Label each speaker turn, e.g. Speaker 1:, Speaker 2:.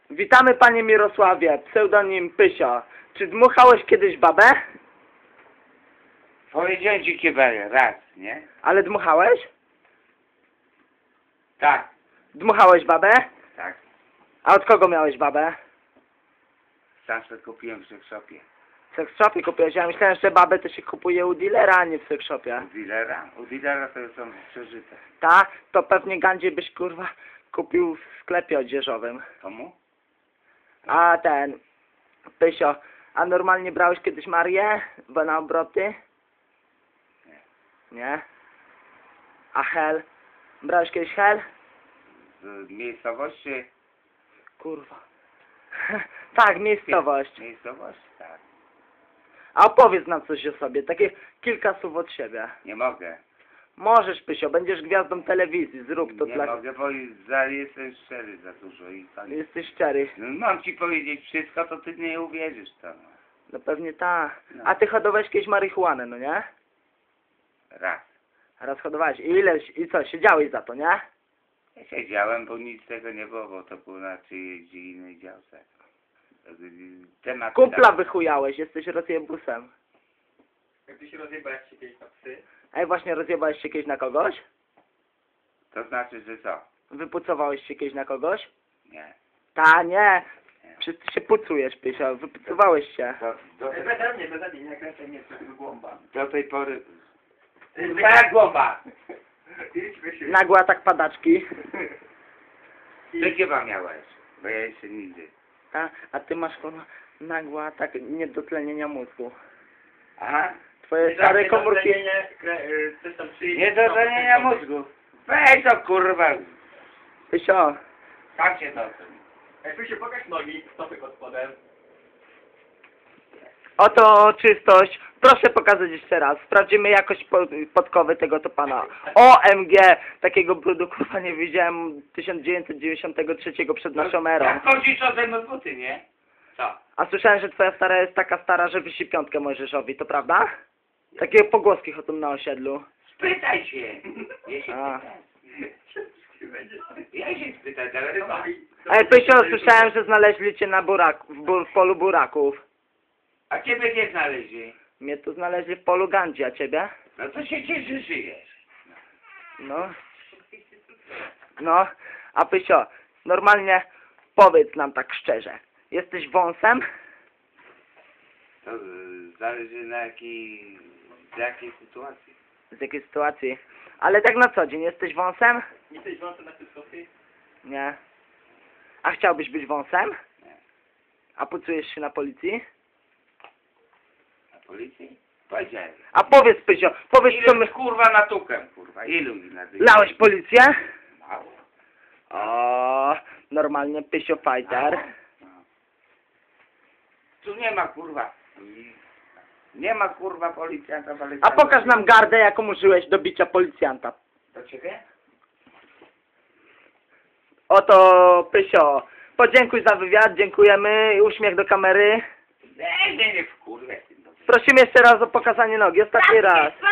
Speaker 1: Witamy panie Mirosławie, pseudonim Pysio. Czy dmuchałeś kiedyś babę?
Speaker 2: Powiedziałem ci kieberę, raz, nie?
Speaker 1: Ale dmuchałeś?
Speaker 2: Tak,
Speaker 1: Dmuchałeś babę?
Speaker 2: tak.
Speaker 1: A od kogo miałeś babę?
Speaker 2: Sam sobie kupiłem w seksshopie.
Speaker 1: W seksshopie kupiłeś. Ja myślałem, że babę to się kupuje u dealera, a nie w seksshopie.
Speaker 2: U dealera? U dealera to są przeżyte.
Speaker 1: Ta? To pewnie gandzie byś kurwa kupił w sklepie odzieżowym.
Speaker 2: Komu?
Speaker 1: A ten... Pysio, a normalnie brałeś kiedyś Marię? Bo na obroty?
Speaker 2: Nie.
Speaker 1: Nie? A hel? Brałeś kiedyś hel?
Speaker 2: Z miejscowości?
Speaker 1: Kurwa. Tak, miejscowość.
Speaker 2: Miejscowość? Tak.
Speaker 1: A opowiedz nam coś o sobie, takie kilka słów od siebie.
Speaker 2: Nie mogę.
Speaker 1: Możesz, Pysio, będziesz gwiazdą telewizji, zrób to
Speaker 2: Nie
Speaker 1: dla...
Speaker 2: mogę, bo jestem szczery za dużo i tak.
Speaker 1: Jesteś szczery.
Speaker 2: No, mam ci powiedzieć wszystko, to ty nie uwierzysz to. No.
Speaker 1: No pewnie tak.
Speaker 2: No.
Speaker 1: A ty hodowałeś kiedyś marihuanę, no nie?
Speaker 2: Raz.
Speaker 1: Raz hodowałeś. I ileś, i co, siedziałeś za to, nie?
Speaker 2: Ja siedziałem, bo nic z tego nie było, bo to było na czyjejś innej działce. Temat
Speaker 1: Kumpla wychujałeś, jesteś rozjebusem.
Speaker 3: Jak ty się rozjebałeś się kiedyś na psy?
Speaker 1: Ej, właśnie rozjebałeś się kiedyś na kogoś?
Speaker 2: To znaczy, że co?
Speaker 1: Wypucowałeś się kiedyś na kogoś?
Speaker 2: Nie.
Speaker 1: Ta, nie. Wszyscy się pucujesz, Pysio, wypucowałeś się.
Speaker 2: Do
Speaker 3: Beze mnie, nie kręcaj mnie z tego głąba.
Speaker 2: tej pory...
Speaker 3: Twoja głowa! Idźmy się.
Speaker 1: Nagła tak padaczki.
Speaker 2: Ty chyba miałeś, bo ja jeszcze nigdy.
Speaker 1: A ty masz kurwa nagła tak niedotlenienia mózgu.
Speaker 2: Aha.
Speaker 1: Twoje stare komórki...
Speaker 3: Coś tam przyjdzie.
Speaker 2: Nie do zranienia mózgu. Weź to kurwa.
Speaker 1: Pysio,
Speaker 2: Tam się to.
Speaker 3: Jak tu się pokaż nogi, stopy pod spodem.
Speaker 1: oto czystość. Proszę pokazać jeszcze raz. Sprawdzimy jakość podkowy tego to pana. OMG! Takiego brudu kurwa nie widziałem 1993 przed naszą erą.
Speaker 2: Jak chodzisz o ze buty, nie? Co?
Speaker 1: A słyszałem, że twoja stara jest taka stara, że wisi piątkę Mojżeszowi, to prawda? Takie pogłoski chodzą na osiedlu.
Speaker 2: Spytaj się. Ja się
Speaker 1: A.
Speaker 2: spytaj. Ja się spytaj, ale chyba.
Speaker 1: Ej, Pysio, słyszałem, że znaleźli cię na w polu buraków.
Speaker 2: A ciebie gdzie znaleźli?
Speaker 1: Mnie tu znaleźli w polu Gandzi, a ciebie?
Speaker 2: No to się cieszy, że żyjesz.
Speaker 1: No. No, a Pysio, normalnie powiedz nam tak szczerze. Jesteś wąsem?
Speaker 2: To zależy na jakiej sytuacji.
Speaker 1: Z jakiej sytuacji? Ale tak na co dzień, jesteś wąsem?
Speaker 3: Nie jesteś wąsem na cyskowcy?
Speaker 1: Nie. A chciałbyś być wąsem?
Speaker 2: Nie.
Speaker 1: A pucujesz się na policji?
Speaker 2: Na policji? Powiedziałem.
Speaker 1: A powiedz, Pysio, powiedz co
Speaker 2: Ilu
Speaker 1: my...
Speaker 2: kurwa natukę, kurwa? Ilu na
Speaker 1: Lałeś policję?
Speaker 2: Mało.
Speaker 1: O, normalnie Pysio fighter.
Speaker 2: No. Tu nie ma kurwa. Nie ma kurwa policjanta,
Speaker 1: A pokaż nam gardę, jaką użyłeś do bicia policjanta.
Speaker 2: Do ciebie?
Speaker 1: Oto Pysio, podziękuj za wywiad, dziękujemy, uśmiech do kamery.
Speaker 2: Nie wkurwę.
Speaker 1: Prosimy jeszcze raz o pokazanie nogi, ostatni raz.